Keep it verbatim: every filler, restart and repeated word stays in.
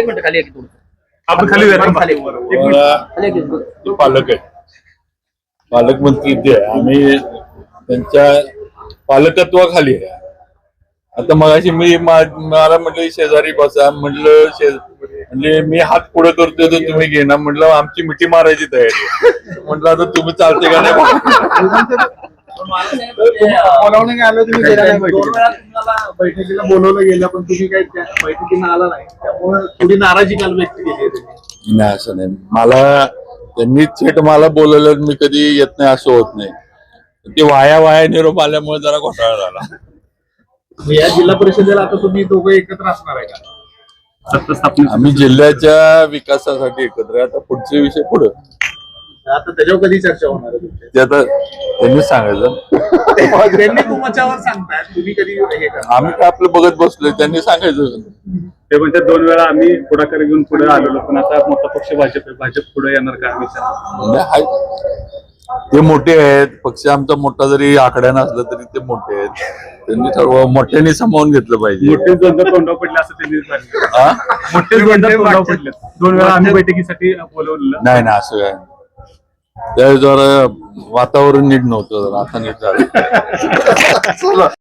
एक मिनिट खाली एक आपण खाली जायचं. खाली मला पालक आहे, पालकमंत्री ते आहे. आम्ही त्यांच्या पालकत्वाखाली आहे. आता मगाशी मी मला म्हटलं शेजारी बसा, म्हटलं शेज म्हणजे मी हात पुढे करतोय तर तुम्ही घेणार, म्हटलं आमची मिठी मारायची तयारी आहे. म्हटलं आता तुम्ही चालते का नाही. बोलावणं आलं तुम्ही गेला नाही बैठकीला बोलवलं गेलं पण तुम्ही काही बैठकीला आला नाही, त्यामुळे थोडी नाराजी काल व्यक्त केली. नाही असं नाही, मला त्यांनी थेट मला बोलवलं, मी कधी येत नाही असं होत नाही. ते वाया वाया निरोप आल्यामुळे जरा घोटाळा झाला. या जिल्हा परिषदेला आता तुम्ही दोघं एकत्र असणार आहे का? आम्ही जिल्ह्याच्या विकासासाठी एकत्र आहे. आता पुढचे विषय पुढे आता त्याच्यावर कधी चर्चा होणार आहे? ते आता त्यांनीच सांगायचं. त्यांनी तुमच्यावर सांगताय, तुम्ही कधी हे करा. आम्ही काय आपलं बघत बसलोय, त्यांनी सांगायचं. ते म्हणजे दोन वेळा आम्ही पुढाकार घेऊन पुढे आलेलो, पण आता मोठा पक्ष भाजप आहे, भाजप पुढे येणार का विचार? ते मोठे आहेत, पक्ष आमचा मोठा जरी आकड्या नसला तरी ते मोठे आहेत. त्यांनी सर्व मोठ्याने सामावून घेतलं पाहिजे. मोठे द्वंद्व तोंडावर पडले असं त्यांनी सांगितलं. मोठे द्वंद्व तोंडावर पडले. दोन वेळा आम्ही बैठकीसाठी बोलवलेलं नाही ना, असं काय त्या जरा वातावरण नीट नव्हतं, आता नीट झालं.